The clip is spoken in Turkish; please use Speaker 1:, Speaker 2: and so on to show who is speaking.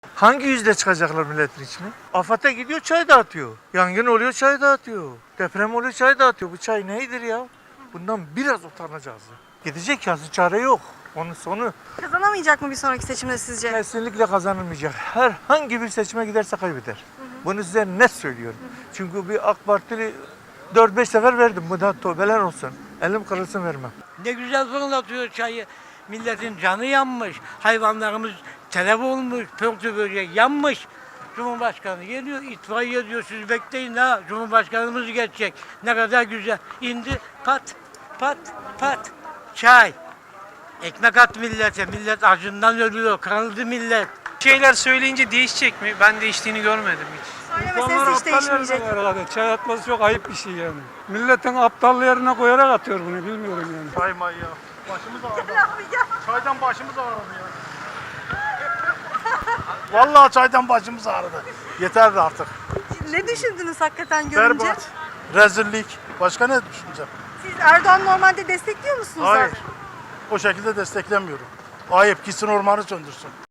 Speaker 1: Hangi yüzle çıkacaklar milletin içine? AFAD'a gidiyor çay dağıtıyor. Yangın oluyor çay dağıtıyor. Deprem oluyor çay dağıtıyor. Bu çay neydir ya? Bundan biraz utanacağız. Gidecek ya, çare yok. Onun sonu
Speaker 2: Kazanamayacak mı bir sonraki seçimde sizce?
Speaker 1: kesinlikle kazanılmayacak. Herhangi bir seçime giderse kaybeder. Bunu size net söylüyorum. Çünkü bir AK Partili 4-5 sefer verdim. Bu da tövbeler olsun. Elim kırılsın vermem.
Speaker 3: Ne güzel fırlatıyor çayı. Milletin canı yanmış. Hayvanlarımız telef olmuş. Pörtü böcek yanmış. Cumhurbaşkanı geliyor, itfaiye diyor, siz bekleyin ha, Cumhurbaşkanımız geçecek. Ne kadar güzel. İndi, pat, pat, pat, çay. Ekmek at millete, millet acından ölüyor, kırıldı millet.
Speaker 4: Şeyler söyleyince değişecek mi? Ben değiştiğini görmedim hiç.
Speaker 2: Söylemeseniz hiç değişmeyecek.
Speaker 5: Herhalde. Çay atması çok ayıp bir şey yani. Milletin aptal yerine koyarak atıyor bunu, bilmiyorum yani.
Speaker 6: Çay ya. Başımız ağrıdı. Çaydan başımız ağrıdı ya. Vallahi çaydan başımız ağrıdı. Yeterdi artık.
Speaker 2: Ne düşündünüz hakikaten görünce?
Speaker 6: Berbat. Rezillik. Başka ne düşüneceğim?
Speaker 2: Siz Erdoğan normalde destekliyor musunuz?
Speaker 6: Hayır. O şekilde desteklemiyorum. Ayıp, gitsin ormanı söndürsün.